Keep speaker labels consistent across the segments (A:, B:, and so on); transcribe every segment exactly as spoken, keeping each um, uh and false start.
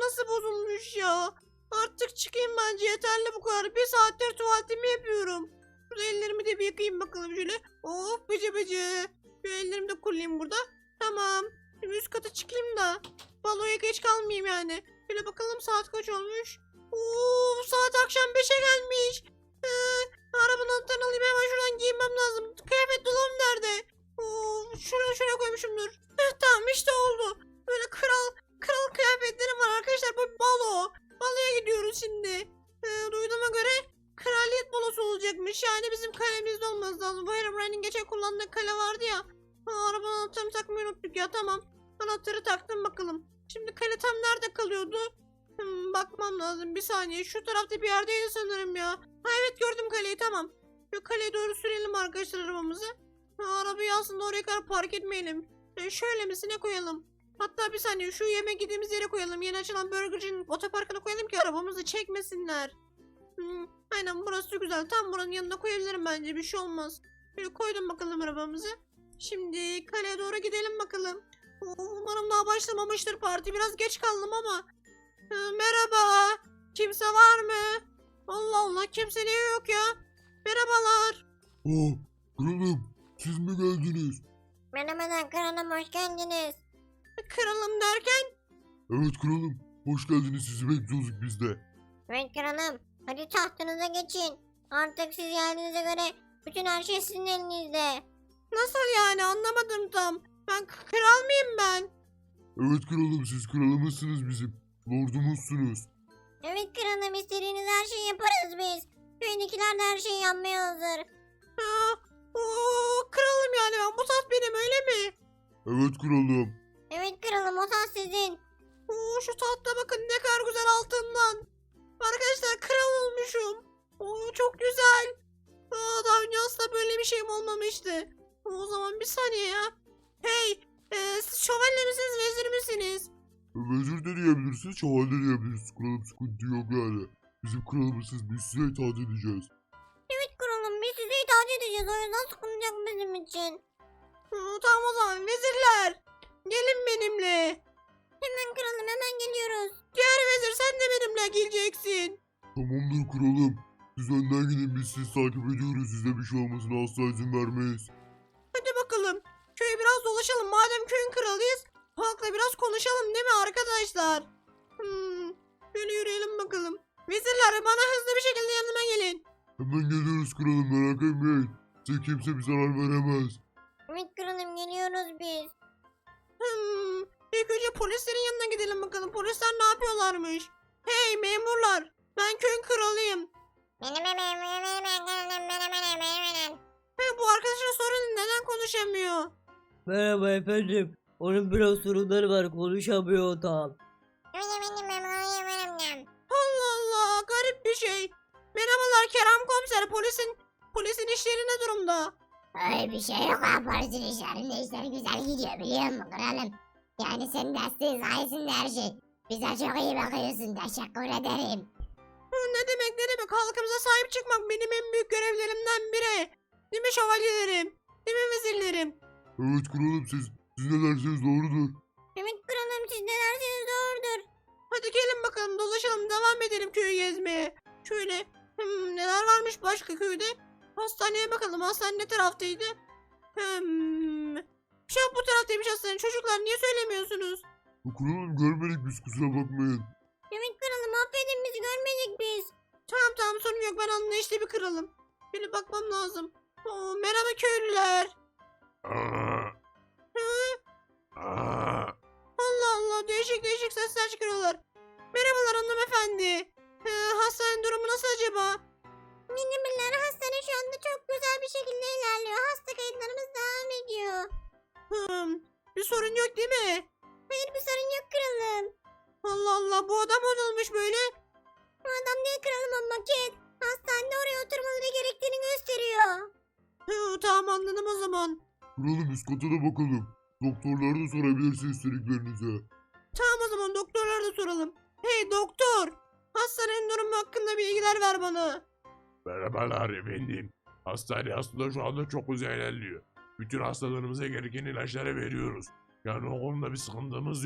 A: nasıl bozulmuş ya? Artık çıkayım bence, yeterli bu kadar. Bir saattir tuvaletimi yapıyorum. Şurada ellerimi de bir yıkayayım bakalım şöyle. Of bıcı bıcı. Şu ellerimi de kullayayım burada. Tamam. Şimdi üst kata çıkayım da baloya geç kalmayayım yani. Şöyle bakalım saat kaç olmuş. Oo, saat akşam beşe gelmiş. Ee, arabanın anahtarını alayım, hemen şuradan giyinmem lazım. Kıyafet dolabım nerede? Oo, şuraya şuraya koymuşumdur. Heh, tamam işte oldu. Böyle kral kral kıyafetlerim var arkadaşlar. Bu balo. Baloya gidiyoruz şimdi. Ee, duyduğuma göre kraliyet balosu olacakmış. Yani bizim kalemizde olması lazım. Bu Herobrine'in geçen kullandığı kale vardı ya. Aa, arabanın anahtarını takmayı unuttuk ya, tamam. Anahtarı taktım bakalım. Şimdi kale tam nerede kalıyordu? Hmm, bakmam lazım bir saniye. Şu tarafta bir yerdeydi sanırım ya. Ha evet, gördüm kaleyi, tamam. Şu kaleye doğru sürelim arkadaşlar arabamızı. Ha, arabayı aslında oraya kadar park etmeyelim. E, şöyle misine koyalım. Hatta bir saniye, şu yemek yediğimiz yere koyalım. Yeni açılan burgercinin otoparkına koyalım ki arabamızı çekmesinler. Hmm, aynen, burası güzel. Tam buranın yanına koyabilirim bence, bir şey olmaz. Böyle koydum bakalım arabamızı. Şimdi kaleye doğru gidelim bakalım. Umarım daha başlamamıştır parti. Biraz geç kaldım ama. Ee, merhaba. Kimse var mı? Allah Allah, kimse niye yok ya? Merhabalar.
B: Aa, kralım, siz mi geldiniz?
C: Merhabalar kralım, hoş geldiniz.
A: Kralım derken?
B: Evet kralım, hoş geldiniz, sizi bekliyorduk biz de.
C: Evet kralım, hadi tahtınıza geçin. Artık siz geldiğinize göre bütün her şey sizin elinizde.
A: Nasıl yani, anlamadım tam. Ben k- kral mıyım ben?
B: Evet kralım, siz kralımızsınız bizim, lordumuzsunuz.
C: Evet kralım, istediğiniz her şeyi yaparız biz. Köyündekiler de her şeyi yapmaya hazır.
A: Ha, oo, kralım yani ben. Bu taht benim, öyle mi?
B: Evet kralım.
C: Evet kralım, o taht sizin.
A: Oo, şu tahta bakın ne kadar güzel, altından. Arkadaşlar kral olmuşum. Oo, çok güzel. Aa, daha önce asla böyle bir şeyim olmamıştı. O zaman bir saniye ya. Hey, e, siz şövalye misiniz, vezir misiniz?
B: Vezir de diyebilirsiniz, şövalye de diyebilirsiniz, kralım, sıkıntı yok yani. Bizim kralımızsınız, biz size itaat edeceğiz.
C: Evet kralım, biz size itaat edeceğiz, o yüzden sıkılacak bizim için.
A: Aa, tamam o zaman vezirler. Gelin benimle.
C: Hemen kralım, hemen geliyoruz.
A: Diğer vezir, sen de benimle geleceksin.
B: Tamamdır kralım. Siz önden gidin, biz sizi takip ediyoruz. Size bir şey olmasına asla izin vermeyiz.
A: Hadi bakalım. Köyü biraz dolaşalım. Madem köyün kralıyız, halkla biraz konuşalım değil mi arkadaşlar? Hmm, şöyle yürüyelim bakalım. Vezirler, bana hızlı bir şekilde yanıma gelin.
B: Hemen geliyoruz kralım, merak etmeyin. Size kimse bir zarar veremez.
C: Evet kralım, geliyoruz biz.
A: Hmm, ilk önce polislerin yanına gidelim bakalım. Polisler ne yapıyorlarmış? Hey memurlar, ben köyün kralıyım.
C: Benim benim benim benim benim benim benim benim.
A: He, bu arkadaşın sorunu, neden konuşamıyor?
D: Merhaba efendim. Onun biraz sorunları var, konuşamıyor tam.
A: Allah Allah, garip bir şey. Merhabalar Kerem komiser, polisin polisin işleri ne durumda?
C: Öyle bir şey yok ha, polisin işlerinde işler güzel gidiyor biliyor musun kralım? Yani senin desteğin sayesinde her şey. Bize çok iyi bakıyorsun, teşekkür ederim.
A: Hı, ne demek ne demek, halkımıza sahip çıkmak benim en büyük görevlerimden biri. Değil mi şövalyelerim? Değil mi vezirlerim?
B: Evet kralım, siz, siz ne derseniz doğrudur.
C: Evet kralım, siz ne derseniz doğrudur.
A: Hadi gelin bakalım, dolaşalım, devam edelim köyü gezmeye. Şöyle hmm, neler varmış başka köyde? Hastaneye bakalım, hastane ne taraftaydı? Hmm, şu an bu taraftaymış hastane. Çocuklar niye söylemiyorsunuz?
B: Ya kralım, görmedik biz, kusura bakmayın.
C: Evet kralım, affedin, bizi görmedik biz.
A: Tamam tamam, sorun yok, ben anlayışlı bir kralım. Şöyle bakmam lazım. Oo, merhaba köylüler.
B: Aa,
A: Hı?
B: aa.
A: Allah Allah, değişik değişik sesler çıkarıyorlar. Merhabalar hanımefendi. Ee, hastanenin durumu nasıl acaba?
C: Minimiller, hastane şu anda çok güzel bir şekilde ilerliyor. Hasta kayıtlarımız devam ediyor.
A: Hmm, bir sorun yok değil mi?
C: Hayır, bir sorun yok kralım.
A: Allah Allah, bu adam ne olmuş böyle?
C: Bu adam değil kralım, o maket. Hastanede oraya oturmaları gerektiğini gösteriyor.
A: Hı, tamam anladım o zaman.
B: Kralım, üst kata da bakalım. Doktorlara da sorabilirsiniz istediklerinize.
A: Tamam o zaman, doktorlara da soralım. Hey doktor, hastanenin durumu hakkında bilgiler ver bana.
E: Merhabalar efendim. Hastane aslında şu anda çok güzel ilerliyor. Bütün hastalarımıza gereken ilaçları veriyoruz. Yani o konuda bir sıkıntımız yok.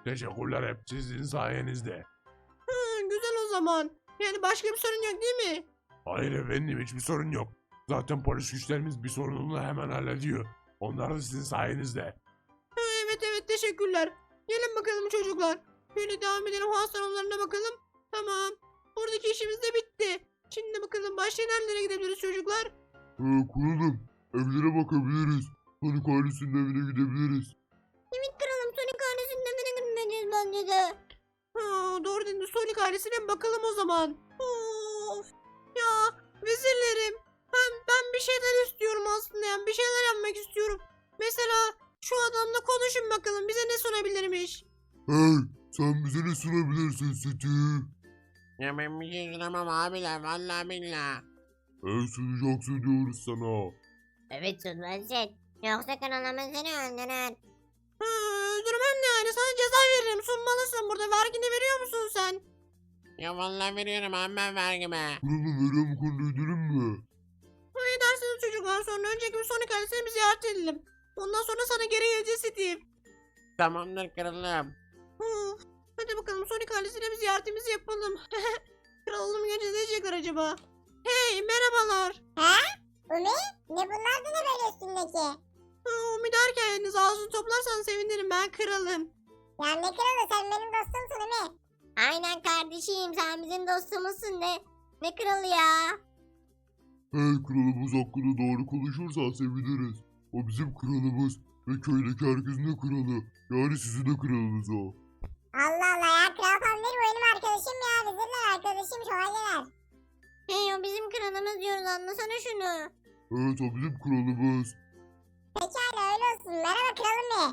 E: Teşekkürler hep sizin sayenizde.
A: Hı, güzel o zaman. Yani başka bir sorun yok değil mi?
E: Hayır efendim hiçbir sorun yok. Zaten polis güçlerimiz bir sorununu hemen hallediyor. Onlar da sizin sayenizde.
A: Ha, evet evet teşekkürler. Gelin bakalım çocuklar. Böyle devam edelim hastanelerine bakalım. Tamam. Buradaki işimiz de bitti. Şimdi bakalım başka nerelere gidebiliriz çocuklar?
B: Ee, kralım evlere bakabiliriz. Sonic ailesinin evine gidebiliriz.
C: Evet kralım Sonic ailesinin evine gitmeliyiz bence de.
A: Ha, doğru dedin. Sonic ailesine bakalım o zaman. Of. Ya vezirlerim. Ben, ben bir şeyler istiyorum aslında. Yani bir şeyler yapmak istiyorum. Mesela şu adamla konuşun bakalım. Bize ne sunabilirmiş?
B: Hey sen bize ne sunabilirsin Steve?
F: Ya ben bir şey sunamam abiler vallahi billahi.
B: Hey sunacaksın diyoruz sana.
C: Evet sunmazsın. Yoksa kralımız seni öldürür.
A: Ha, öldürmem ne yani. Sana ceza veririm. Sunmalısın burada. Vergini veriyor musun sen?
F: Ya vallahi veriyorum abi ben vergime.
B: Kralım veriyor mu konuda ödülüm mü?
A: Ne dersiniz çocuklar? Sonra önceki bir Sonic ailesini bir ziyaret edelim. Ondan sonra sana geri geleceğiz Steve.
F: Tamamdır kralım.
A: Of. Hadi bakalım Sonic ailesine bir ziyaretimizi yapalım. Kralım gece ne diyecekler acaba? Hey merhabalar.
C: Umi ne bunlar da ne böyle üstündeki?
A: Ha, Umi derken elinizi ağzını toplarsan sevinirim, ben kralım.
C: Ya ne kralı sen benim dostumsun Umi. Aynen kardeşim sen bizim dostumuzsun ne? Ne kralı ya?
B: Hey kralımız hakkında doğru konuşursan seviniriz. O bizim kralımız ve köydeki herkesin de kralı. Yani sizin de kralınız o.
C: Allah Allah ya kral falan değil bu benim arkadaşım ya. Vezirler arkadaşım şövalyeler. Hey o bizim kralımız diyoruz anlasana şunu.
B: Evet o bizim kralımız.
C: Pekala öyle olsun. Merhaba kralım be.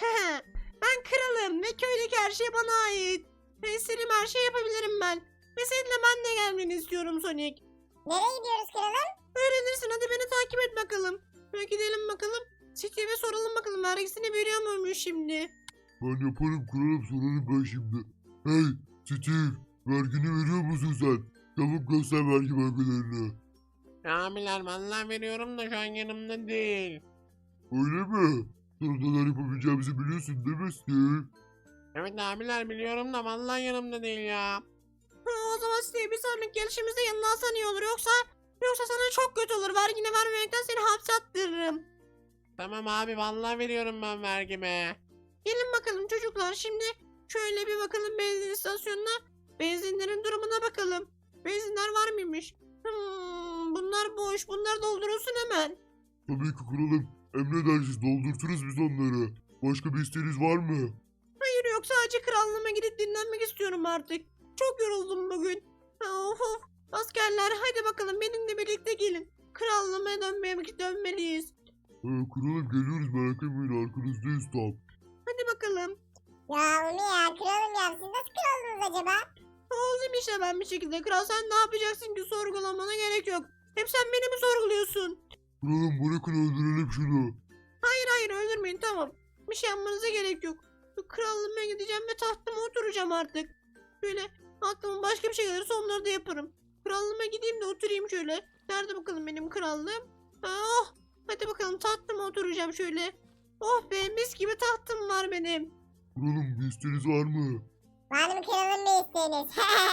A: Ben kralım ve köydeki her şey bana ait. Ve istediğim her şeyi yapabilirim ben. Ve seninle ben de gelmeni istiyorum Sonic.
C: Nereye gidiyoruz kralım?
A: Öğrenirsin, hadi beni takip et bakalım. Ve gidelim bakalım. Steve'e soralım bakalım vergisini veriyor muymuş şimdi.
B: Ben yaparım kralım sorarım ben şimdi. Hey Steve vergini veriyor musun sen? Çabuk göster vergi belgelerini.
F: Abiler vallahi veriyorum da şu an yanımda değil.
B: Öyle mi? Sana neler yapabileceğimizi biliyorsun değil mi Steve?
F: Evet abiler biliyorum da vallahi yanımda değil ya.
A: Ha, o zaman Steve bir sonraki gelişimizde yanına alsan iyi olur. Yoksa yoksa sana çok kötü olur. Vergini vermemekten seni hapse attırırım.
F: Tamam abi vallahi veriyorum ben vergime.
A: Gelin bakalım çocuklar, şimdi şöyle bir bakalım benzin istasyonuna. Benzinlerin durumuna bakalım. Benzinler var mıymış? Hmm, bunlar boş. Bunlar doldurulsun hemen.
B: Tabii ki kralım. Emredersiniz doldurturuz biz onları. Başka bir isteğiniz var mı?
A: Hayır yok, sadece krallığıma gidip dinlenmek istiyorum artık. Çok yoruldum bugün. Of of. Askerler hadi bakalım benimle birlikte gelin. Krallığıma dönmeye dönmeliyiz.
B: Ee, kralım geliyoruz merak etmeyin arkanızdayız tam.
A: Hadi bakalım.
C: Ya Umi ya kralım ya siz nasıl kraldınız acaba?
A: Oldum işte ben bir şekilde. Kral sen ne yapacaksın ki, sorgulamana gerek yok. Hep sen beni mi sorguluyorsun?
B: Kralım bırakın öldürelim şunu.
A: Hayır hayır öldürmeyin, tamam. Bir şey yapmanıza gerek yok. Bu krallığıma gideceğim ve tahtıma oturacağım artık. Böyle aklıma başka bir şey gelirse onları da yaparım. Krallığıma gideyim de oturayım şöyle. Nerede bakalım benim krallığım? Ha, oh. Hadi bakalım tahtıma oturacağım şöyle. Oh be, mis gibi tahtım var benim.
B: Kralım bir isteğiniz var mı?
C: Var mı kralım bir isteğiniz?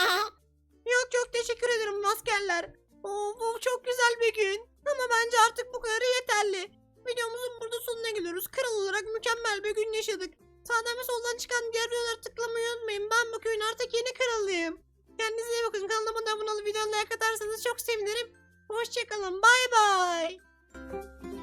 A: Yok yok teşekkür ederim askerler. Oh, bu çok güzel bir gün. Ama bence artık bu kadarı yeterli. Videomuzun burada sonuna geliyoruz. Kral olarak mükemmel bir gün yaşadık. Sağdan ve soldan çıkan diğer videoları tıklamayı unutmayın. Ben bu köyün artık yeni kralıyım. Kendinize iyi bakın. Kanalıma da abone olup videoya like atarsanız çok sevinirim. Hoşçakalın. Bay bay.